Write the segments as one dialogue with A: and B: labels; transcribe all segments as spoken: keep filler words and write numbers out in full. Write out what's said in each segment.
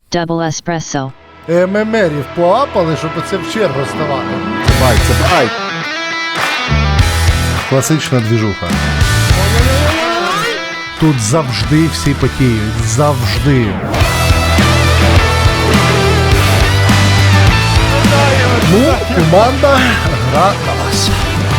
A: Double espresso.
B: ММРів поапали, щоб оце в чергу ставати. Бай, це бай. Класична двіжуха. Тут завжди всі потіють. Завжди. Ну, команда гра на вас.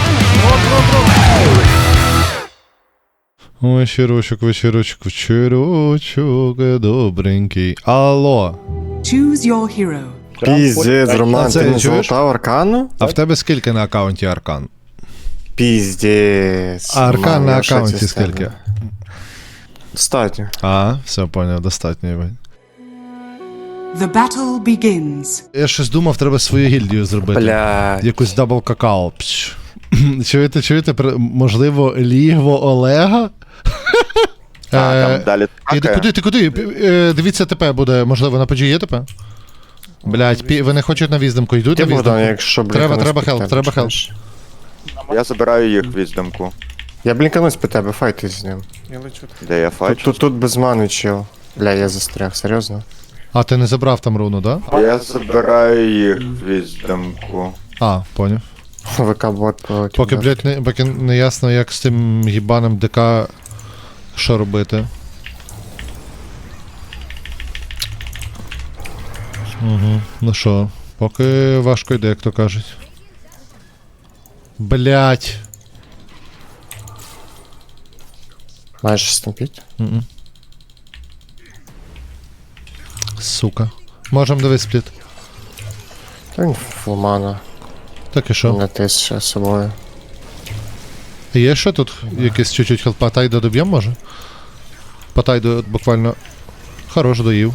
B: Вечірочок, вечірочок, вечірочок, добренький. Алло.
C: Choose your hero.
D: Піздець, Роман,
B: А це
D: ти не
B: чуєш?
D: золотав аркану?
B: А в тебе скільки на аккаунті аркан?
D: Піздець.
B: А аркан
D: Роман,
B: на
D: я в шоці
B: аккаунті
D: з тебе.
B: скільки?
D: Достатньо.
B: А, все поняв, достатньо. Іван.
C: The battle begins.
B: Я щось думав, треба свою гільдію зробити.
D: Блядь.
B: Якусь дабл какао. Пш. Чуєте, чуєте, При- можливо, лігво Олега?
E: А,
B: Е,
E: там далі
B: Іди,
E: така.
B: куди, ти куди? Е, Дивіться ТП буде, можливо, на педжі є ТП? Блять, пі... вони хочуть на віздимку, йдуть
D: Ти,
B: на
D: Богдан,
B: віздимку.
D: якщо
B: Треба,
D: блінканусь
B: треба
D: під
B: хелп,
D: тебе,
B: треба хелп.
D: чуєш?
E: Я забираю їх в віздомку.
D: Я блінканусь по тебе, файти з ним.
E: Де я
D: Тут,
E: файчу?
D: тут, тут без мани чил. Бля, я застряг, серйозно?
B: А, ти не забрав там руну, да?
E: Я забираю їх в віздомку.
B: А, поняв.
D: ВК-бот полетів.
B: Поки,
D: да.
B: блядь, не, поки не ясно, як з тим гібаним ДК що робити. Угу. Ну що, поки важко йде, як то кажуть. Блять.
D: Маєш стампіть?
B: Мгм. Сука. Можем дивись спліт.
D: Та він фулмана.
B: Так і що?
D: Не тис ще з собою.
B: Є що тут? Якийсь чуть-чуть хелп. Патайдо доб'єм, може? Патайдо от буквально хорош доїв.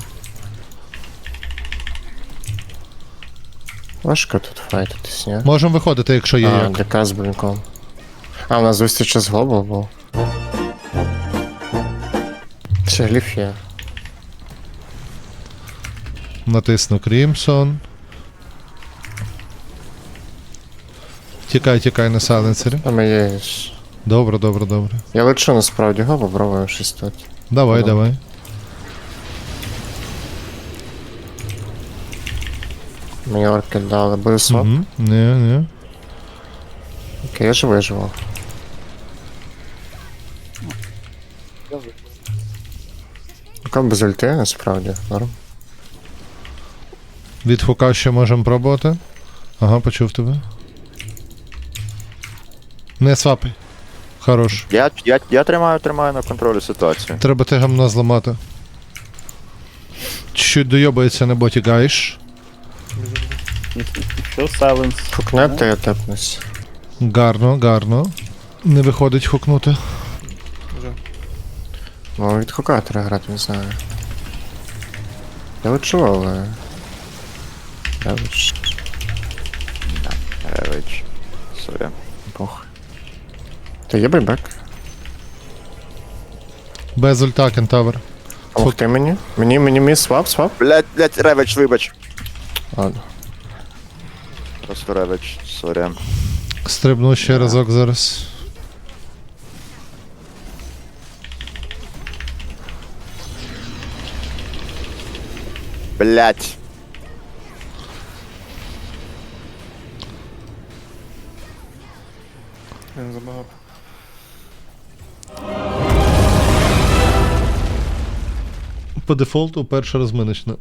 D: Важко тут файтитись, ні?
B: Можем виходити, якщо є
D: А,
B: як.
D: ДК з блінком. А, у нас зустріч з глобал був. Ще гліф є.
B: Натисну Крімсон. Тікай, тікай на сайленсері.
D: Там є. ж-
B: Добре, добре, добре.
D: Я лечу насправді, го, попробуємо щось тут.
B: Давай,
D: Добре.
B: давай.
D: Мені орки дали, буде своп.
B: Угу. Ні, ні.
D: Окей, я ж виживав. Поки без ульти, насправді, норм.
B: Від хука ще можемо пробувати. Ага, почув тебе. Не свапай. Хорош.
E: Я, я, я тримаю, тримаю на контролі ситуацію.
B: Треба те гамно зламати. Чуть дойобається на боті гайш.
F: Що сайленс?
D: Фукнете, я тепнусь.
B: Гарно, гарно. Не виходить хукнути.
D: Ну, від хука треба грати, не знаю. Я лечу, але... Я лечу.
E: Ревич. Сорі.
D: Похуй. Та є байбек.
B: Без ульта кентавр.
D: Ух ти мені. Мені, мені мій свап, свап.
E: Блять, блять, ревич, вибач.
D: Ладно.
E: Просто ревич, сорі.
B: Стрибну ще разок зараз.
E: Блять.
B: По дефолту перша розминочна.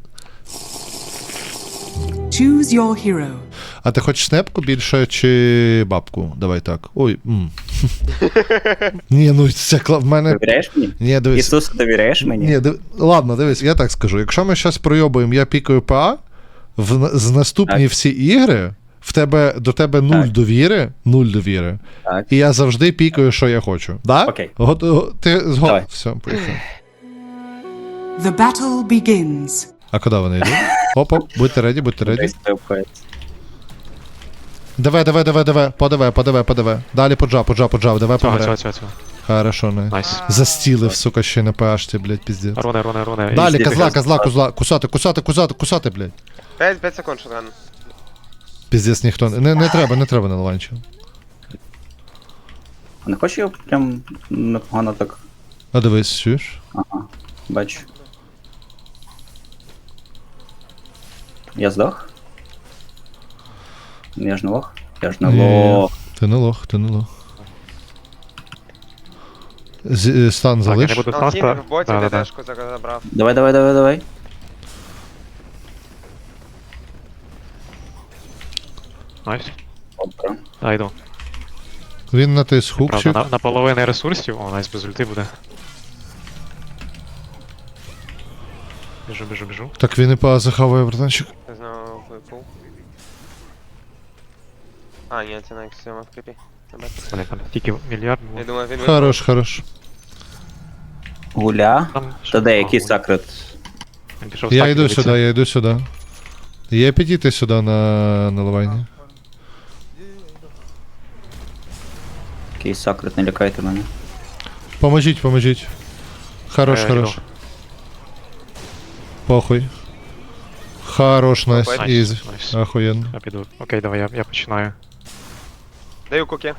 C: Choose your hero.
B: А ти хочеш снепку більше чи бабку? Давай так. Ой. М. Ні, ну це кла... в мене.
F: Довіряєш мені?
B: Ні, дивись.
F: Ісусу, довіряєш мені?
B: Ні, див... ладно, дивись, я так скажу. Якщо ми щось пройобуємо, я пікаю ПА, в... з наступні
F: Так.
B: всі ігри в тебе до тебе нуль
F: Так.
B: довіри, нуль довіри.
F: Так.
B: І я завжди пікаю, що я хочу. Да?
F: Окей.
B: Гот... го- Ти згоден?
F: Давай.
B: Все, поїхали.
C: The battle begins.
B: А куди вони йдуть? Оп-оп, будьте реді, будьте реді.
F: Десь це обходиться.
B: Давай, давай, давай, давай, подавай, подавай, подавай. Далі поджав, поджав, поджав, давай
G: Цього,
B: пограй.
G: цього, цього, цього.
B: Хорошо, не.
G: Найс.
B: Застілив, сука, ще на пашті, блядь, піздець.
G: Руне, руне, руне.
B: Далі,
G: І
B: козла,
G: стільки-
B: козла, козла, кусати, кусати, кусати, кусати, блядь.
H: п'ять секунд, шотган.
B: Піздець ніхто, не, не, не треба, не треба на ланчу.
F: А не хочу його прям непогано так.
B: А дивись, чуєш?
F: Ага, бачу. Я здох? Я ж не лох? Я ж не
B: Ні.
F: лох.
B: Ти не лох, ти не лох. З, е, стан
A: Так, я
B: залиш.
A: не буду
G: Ну,
A: стан
G: Тімі
A: ста-
G: в боті
A: Да, да, да.
G: ДДшку забрав.
F: Давай, давай, давай, давай.
A: Найс.
F: Опа.
A: Да, йду.
B: Він натис
A: Правда,
B: хукчик.
A: на, на половини ресурсів, о, найс без ульти буде. Біжу, біжу, біжу.
B: Так він і по захаває, братанчик.
G: Не знаю, випав. А, ні, це на ікс сім в кріпі. Не бачу.
A: Блін, там тільки мільярд
G: Я
A: було.
G: думаю, він випав.
B: Хорош, хорош.
F: Гуля.
A: Там
F: Та
A: ще-
F: де,
A: а,
F: який
A: ой,
F: сакрет?
A: він пішов
B: Я
A: стаки
B: йду
A: дивитися.
B: сюди, я йду сюди. Є підійти сюди на наливання.
F: Який сакрет, не лякайте мене.
B: Поможіть, поможіть. Хорош,
A: Е,
B: хорош.
A: йду.
B: Похуй. Хорош, найс,
G: Найс,
B: ізі.
A: найс.
B: Охуєнно.
A: Я піду. Окей, давай, я, я починаю.
G: Даю куки.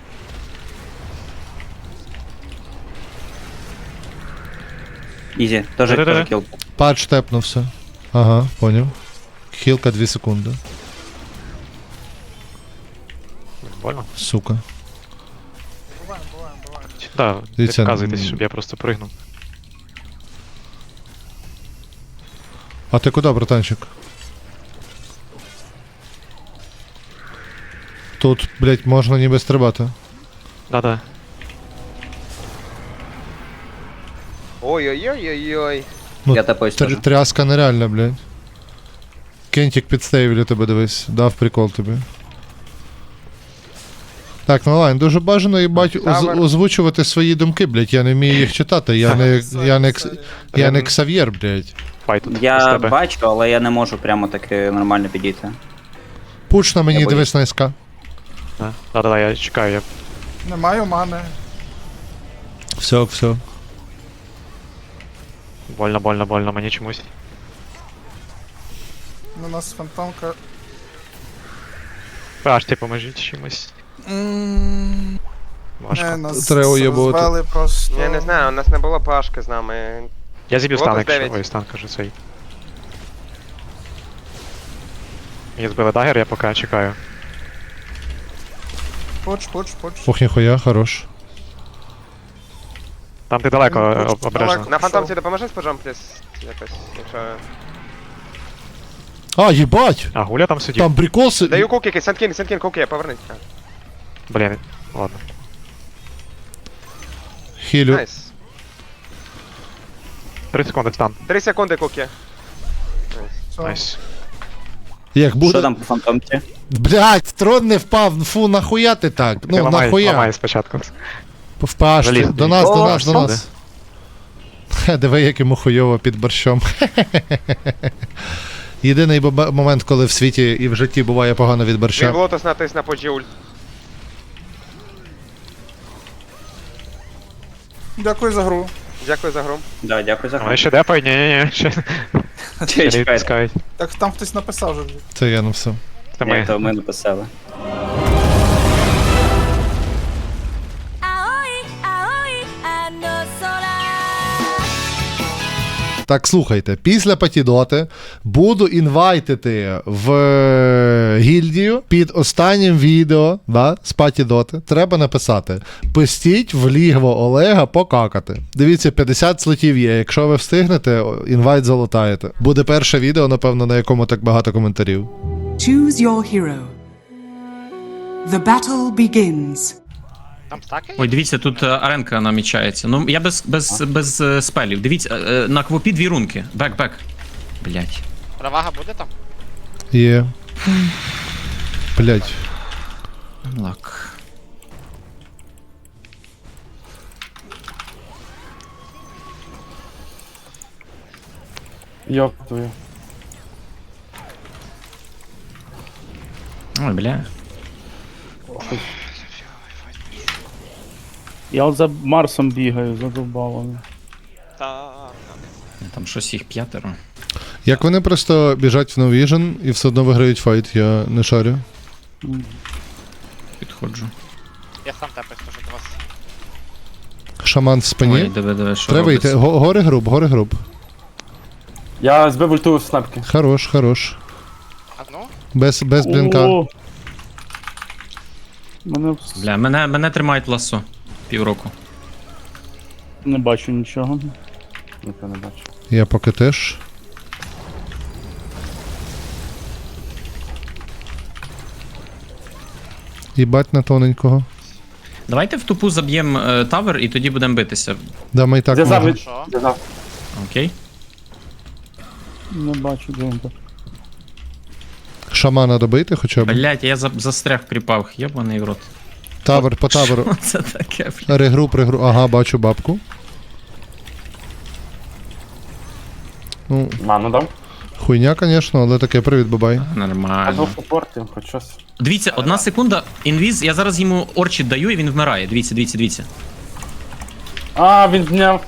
F: Ізі, теж
A: Да-да-да.
F: теж кіл.
B: Патч тепнувся. Ага, поняв. Хілка дві секунди.
A: Больно?
B: Сука.
A: Да, не
B: Дивіться,
A: показуйтесь,
B: м.
A: щоб я просто пригнув.
B: А ти куди, братанчик? Тут, блять, можна ніби стрибати.
A: Да-да.
G: Ой-ой-ой-ой-ой.
B: Ну,
F: Я тапаюсь
B: Тр-
F: теж.
B: тряска нереальна, блядь. Кентик підстейвлю тебе, дивись. Дав прикол тобі. Так, ну лайн, дуже бажано, їбать, оз-
G: Тавер.
B: озвучувати свої думки, блядь. Я не вмію їх читати. Я не, я не, кс- я не Ксав'єр, блядь.
A: Файт тут з
F: Я
A: тебе.
F: бачу, але я не можу прямо таки нормально підійти.
B: Пуч на мені,
F: Я
B: дивись на СК.
A: Да, Да-да-да, я чекаю, я
H: Не маю мани.
B: Все, все.
A: больно, больно, больно, мені чомусь.
H: У нас фантомка.
A: Аж ти поможіть чимось.
H: М,
A: Важко.
H: Не, нас
B: Треба уєбувати.
H: розвели просто.
G: Я не знаю, у нас не було пашки з нами.
A: Я зіб'ю стан,
G: Лотос
A: якщо...
G: дев'ять.
A: Ой, стан, кажу, цей. Мені збили дагер, я поки чекаю.
H: Поч, поч, поч.
B: Ох, ніхуя, хорош.
A: Там ти далеко
H: Ну,
A: об-
H: далеко.
A: обережно.
G: На фантомці допоможи з пожом, пліс. Якось, якщо...
B: А, їбать!
A: А, Гуля там сидів.
B: Там прикол си-
G: Даю куки, Сенткін, Сенткін, куки, повернись. А,
A: Блін, ладно.
B: Хілю.
G: Найс.
A: три секунди стан.
G: Три секунди куки.
H: Все.
A: Найс.
B: Як буде.
F: Що там по фантомці?
B: Блять, трон не впав. Фу, нахуя ти так?
A: Ти
B: Ну,
A: ламай,
B: нахуя?
A: ламай спочатку.
B: Впаш,
A: Заліз.
B: до нас, до
F: О,
B: нас, до
A: сюди.
B: нас. Хе, диви, як йому хуйово під борщом. Єдиний бо- момент, коли в світі і в житті буває погано від
G: Він в
B: борща.
G: лотос натис на поджі ульт.
H: Дякую за гру.
G: Дякую за гру.
F: Да, дякую за
A: Вони
F: гру.
A: ще депають? Ні-ні-ні, ще ще не
F: Чекайте.
A: відпускають.
H: Так там хтось написав вже.
B: Це я, ну все.
A: Це
F: Ні,
A: ми.
F: то ми написали.
B: Так, слухайте, після Патідоти буду інвайтити в е, гільдію під останнім відео, да, з Патідоти. Треба написати: пустіть в лігво Олега покакати. Дивіться, п'ятдесят слотів є. Якщо ви встигнете, о, інвайт залутаєте. Буде перше відео, напевно, на якому так багато коментарів.
C: Choose your hero. The battle begins.
I: Ой, дивіться, тут е, аренка намічається. Ну, я без, без, без е, спелів. Дивіться, е, на квопі дві рунки. Бек, бек. Блять.
J: Перевага буде там?
B: Є. Блять.
I: Лак.
H: Йоптую.
I: Ой, бля.
K: Я от за Марсом бігаю, задовбало.
J: Так.
I: Там щось їх п'ятеро.
B: Як вони просто біжать в No Vision і все одно виграють файт, я не шарю.
I: Підходжу.
J: Я сам тепер скажу до вас.
B: Шаман в спині.
I: Ой, диви, диви, що
B: Треба йти.
I: робиться.
B: Го- Гори груб, гори груб.
H: Я збив ульту в снапки.
B: Хорош, хорош.
J: А ну?
B: Без, без блінка.
K: О! Мене вс-
I: Бля, мене, мене тримають ласо. Півроку.
K: не бачу нічого.
D: Ніхто не бачу.
B: Я поки теж. Їбать на тоненького.
I: Давайте в тупу заб'ємо е, тавер і тоді будемо битися.
B: Да, ми і так
K: Зв'язав
B: можемо.
K: від...
J: Що?
K: Зв'язав.
I: Окей?
K: Не бачу, де він.
B: Шамана добити хоча б.
I: Блять, я за, застряг в кріпах, єбаний в рот.
B: Тавер по таверу.
I: Що це таке, блядь?
B: Регру, пригру. Ага, бачу бабку. Ну,
K: Ману дав.
B: хуйня, звісно, але таке, привіт, бабай.
I: Нормально.
K: супортив, хоч щось.
I: Дивіться, одна секунда, інвіз, я зараз йому орчі даю і він вмирає. Дивіться, дивіться, дивіться.
K: А, він зняв.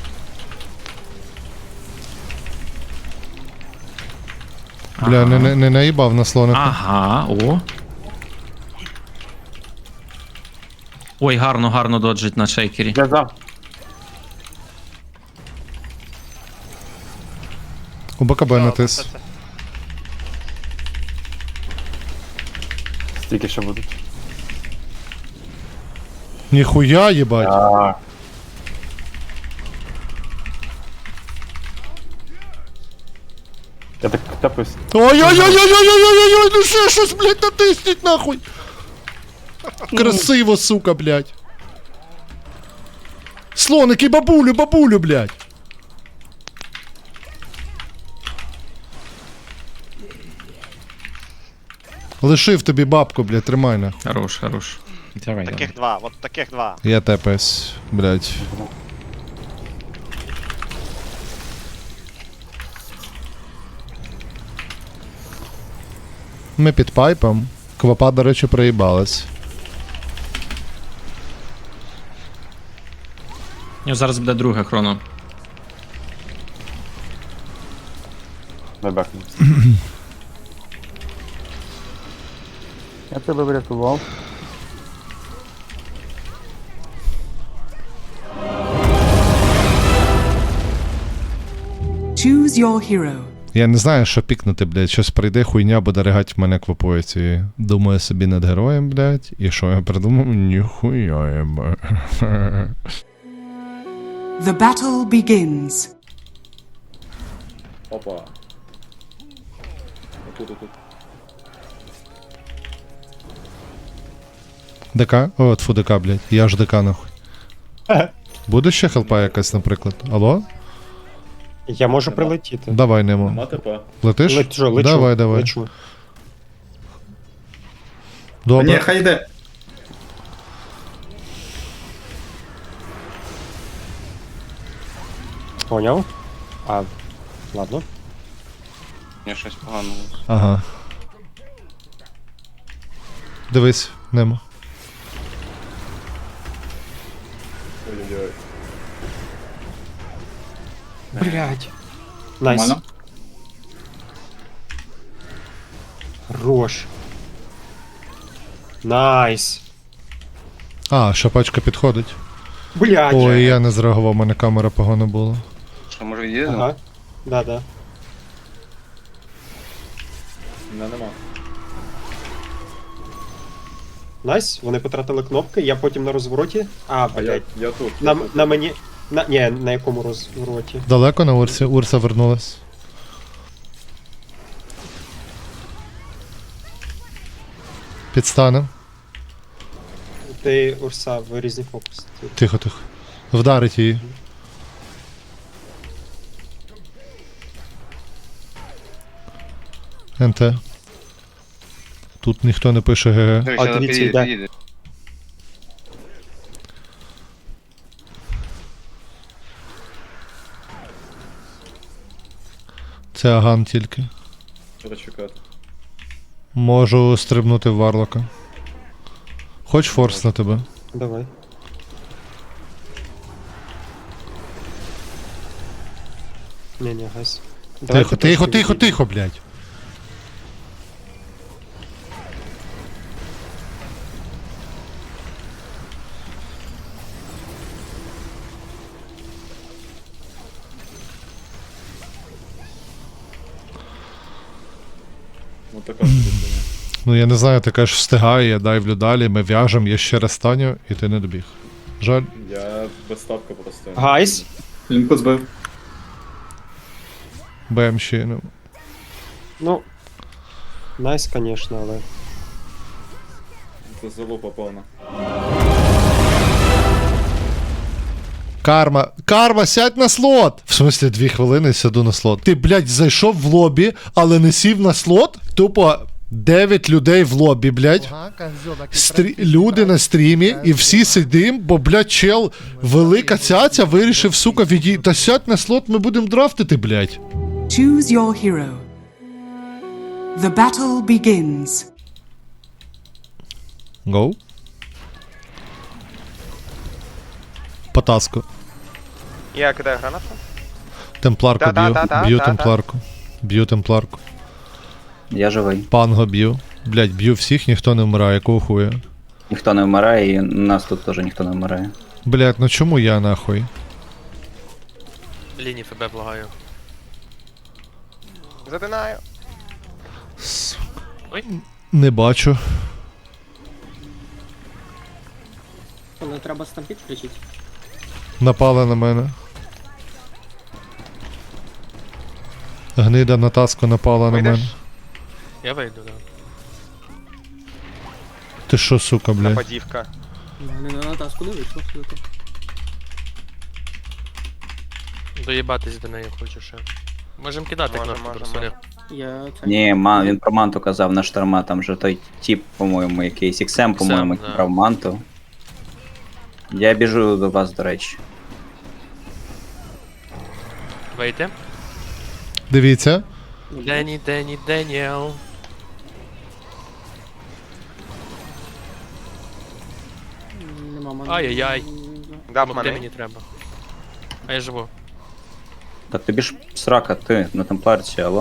B: Бля, не, не, не наїбав на слоника.
I: Ага, о. Ой, гарно, гарно доджить на шейкері.
K: Зв'язав.
B: У БКБ натис.
J: Це- це-
K: Стільки ще будуть.
B: Ніхуя, їбать.
K: А. Я так тапаюсь.
B: Ой-ой-ой-ой-ой-ой-ой-ой, ну ще щось, блядь, натисніть нахуй. Красиво, сука, блядь. Слоники, бабулю, бабулю, блядь. Лишив тобі бабку, блядь, тримай на.
I: Хорош, хорош. Давай,
J: Таких два, от таких два.
B: Я тепаюсь, блядь. Ми під пайпом. Квапа, до речі, проїбалась.
I: У нього зараз буде друге хроно.
K: Я тебе врятував.
C: Choose your hero.
B: Я не знаю, що пікнути, блядь. Щось прийде, хуйня буде ригать в мене квапою цією. Думаю собі над героєм, блядь. І що я придумав? Ніхуя, єба.
C: The battle begins.
K: Опа.
B: ДК? О, тфу, ДК, блядь. Я ж ДК, нахуй. Буде ще хелпа якась, наприклад? Алло?
L: Я можу прилетіти.
B: Давай, Немо. Летиш?
L: Лечу, лечу.
B: Давай, давай.
L: Лечу.
B: Добре.
H: хай йде.
L: Поняв? А, ладно.
D: Я щось погано.
B: Ага. Дивись, Немо.
L: Блять. Найс. Хорош. Найс.
B: А, шапачка підходить.
L: Блять.
B: Ой, я не зреагував, у мене камера погано була.
D: Що, може від'їдемо?
L: Ага. Да, да. Найс, вони потратили кнопки, я потім на розвороті. А, блять.
K: Я тут.
L: На, на мені. На, ні, на якому розвороті?
B: Далеко на Урсі? Урса вернулась. Підстане.
L: Ти Урса в різні фокуси.
B: Тихо, тихо. Вдарить її. НТ. Тут ніхто не пише ГГ.
D: Дивись,
L: А,
D: зараз
L: дивіться,
D: під'їде,
L: йде.
D: під'їде.
B: Це Аган тільки.
K: Що чекати?
B: Можу стрибнути в Варлока. Хоч форс на тебе.
L: Давай. Ні, ні, гайс.
B: Тихо, тихо, тихо, тихо, блядь.
K: Ну така штука.
B: Ну я не знаю, ти кажеш, встигає, я дайвлю далі, ми в'яжем, я ще раз станю, і ти не добіг. Жаль.
K: Я без ставка просто.
L: Гайс.
K: Він позбив.
B: БМ ще, ну.
L: Ну. Найс, звісно, але.
K: Це залупа повна.
B: Карма. Карма, сядь на слот! В смислі, дві хвилини сяду на слот. Ти, блядь, зайшов в лобі, але не сів на слот? Тупо дев'ять людей в лобі, блядь. Стрі... Люди на стрімі, і всі сидим, бо, блядь, чел, велика цяця вирішив, сука, відій... Та сядь на слот, ми будемо драфтити, блядь.
C: Choose your hero. The battle begins.
B: Гоу. Потаску.
G: Я кидаю гранату.
B: Темпларку б'ю.
G: Та-та-та-та,
B: Б'ю
G: та-та.
B: темпларку. Б'ю темпларку.
F: Я живий.
B: Панго б'ю. Блядь, б'ю всіх, ніхто не вмирає, якого хуя.
F: Ніхто не вмирає, і у нас тут теж ніхто не вмирає.
B: Блядь, ну чому я нахуй?
J: Лінії ФБ благаю.
G: Задинаю.
B: Не бачу.
F: Але треба стампід включити.
B: Напали на мене. Гнида на таску напала на
G: Вийдеш?
B: мене.
J: Я вийду, да.
B: Ти що, сука, блядь?
G: Нападівка.
F: Не на таску не вийшло.
J: Доїбатись до неї хочу ще. Можем кидати
G: Можем,
J: кнопку
G: можем,
J: просто.
F: Я... Ні, ма, він про манту казав на шторма, там же той тип, по-моєму, якийсь іксем, по-моєму,
J: да.
F: брав манту. Я біжу до вас, до речі.
J: Вийти.
B: Дивіться.
J: Дені, Дені, Деніел. Ай-яй-яй.
G: Дав
J: Де
G: мене.
J: мені треба? А я живу.
F: Так тобі ж срака, ти на темпларці, алло.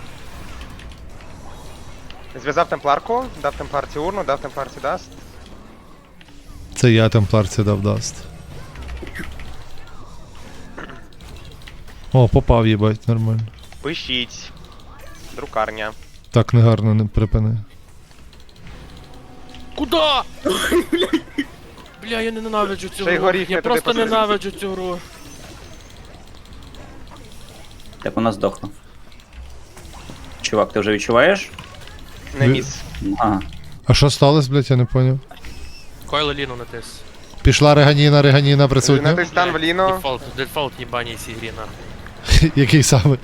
G: Зв'язав темпларку, дав темпларці урну, дав темпларці даст.
B: Це я темпларці дав даст. О, попав, їбать, нормально.
G: Пишіть. Друкарня.
B: Так негарно не припини.
J: Куда? Бля, я ненавиджу цю
G: Ще й
J: гру.
G: горіх
J: Я
G: не туди
J: просто
G: посадив.
J: ненавиджу цю гру.
F: Так вона здохла. Чувак, ти вже відчуваєш?
G: Не
B: Ви-
G: міс.
F: Ага.
B: А що сталося, блядь, я не поняв.
J: Койло Ліну натис.
B: Пішла реганіна, реганіна присутня.
G: Натис стан в ліно.
J: Дефолт, дефолт їбаній цій грі, нахуй.
B: Який саме?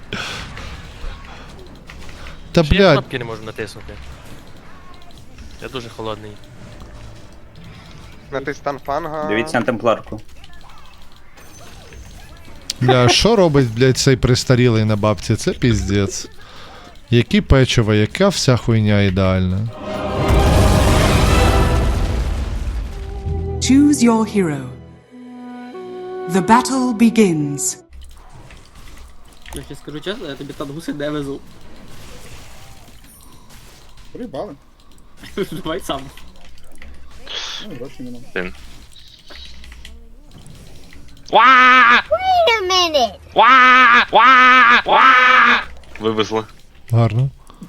B: Та,
J: Ще я
B: блядь,
J: кнопки не можу натиснути. Я дуже холодний.
G: Натис стан фанга.
F: Дивіться на темпларку.
B: бля, що робить, блядь, цей пристарілий на бабці? Це піздець. Які печива, яка вся хуйня ідеальна.
C: Choose your hero. The battle begins.
F: Я ще скажу чесно, я тобі тангуси не везу.
H: Приїбали.
F: Давай сам.
H: Ну, гроші нема.
J: Вивезли.
B: Гарно.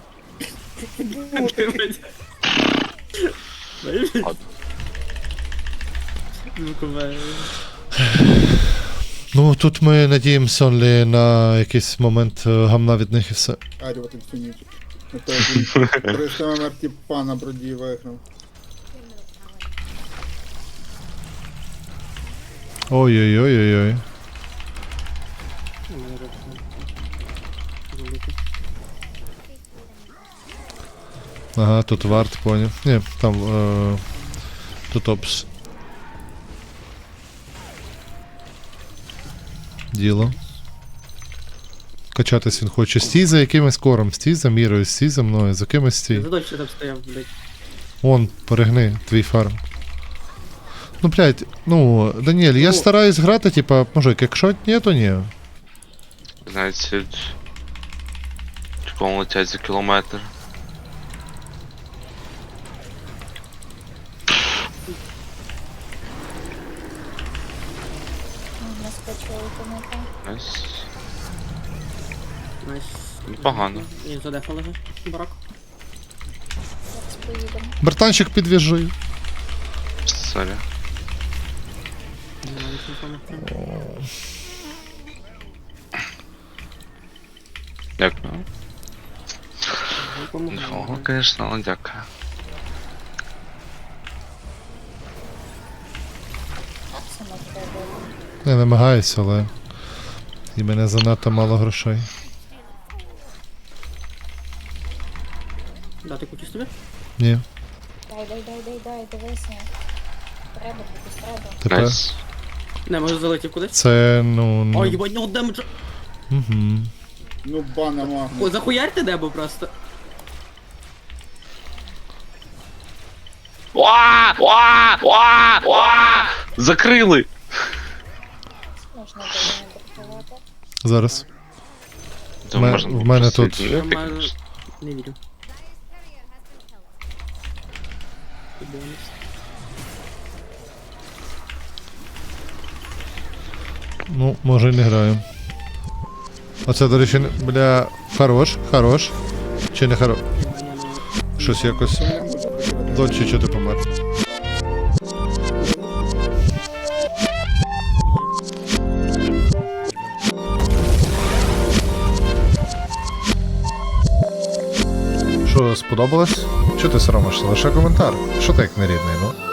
B: Ну, тут ми надіємося only на якийсь момент е, гамна від них і все.
H: Арювати всю ніч. Триста ем ем тіпа на броді виграв.
B: Ой-ой-ой-ой-ой. Ага, тут варт, поняв. Ні, там е, тут опс. Діло. Качатись він хоче. Стій за якимось кором, стій за мірою, стій за мною, за кимось стій.
F: Задочі там стояв, блядь.
B: Вон, перегни, твій фарм. Ну, блядь, ну, Даніель, я стараюсь грати, типа, мужик, якщо ні, то ні.
J: Знаєте, типу летять за кілометр. Найс.
F: Найс.
J: Непогано.
F: І задефали же, барак.
B: Братанчик, підвіжи.
A: Сорі. Дякую. Ого, звісно, але дякую.
B: Я намагаюся, але і мене занадто мало грошей.
J: Дати кутіс тобі?
B: Ні.
M: Дай, дай, дай, дай, дай, дивися. Треба, тобі треба.
B: Тепер
A: Найс.
J: Не, може залетів кудись?
B: це, ну...
J: Ой,
B: ну...
J: їбать, нього демеджа.
B: Угу.
H: Ну бана магнус.
J: О, захуярте дебо просто.
A: Уа! Уа! Уа! Уа! Закрили!
M: Можна було не бракувати.
B: Зараз.
A: То
B: Ме-
A: можна
B: в
A: було
B: мене
A: просто
B: тут-
A: відійти,
J: Нормально.
A: звісно.
J: Не вірю.
B: Ну, може і не граю. Оце, до речі, не- бля, хорош, хорош. Чи не хорош? Щось якось. Дочі, що ти помер? Що, сподобалось? Чого ти соромишся? Лише коментар. Що ти як нерідний, ну?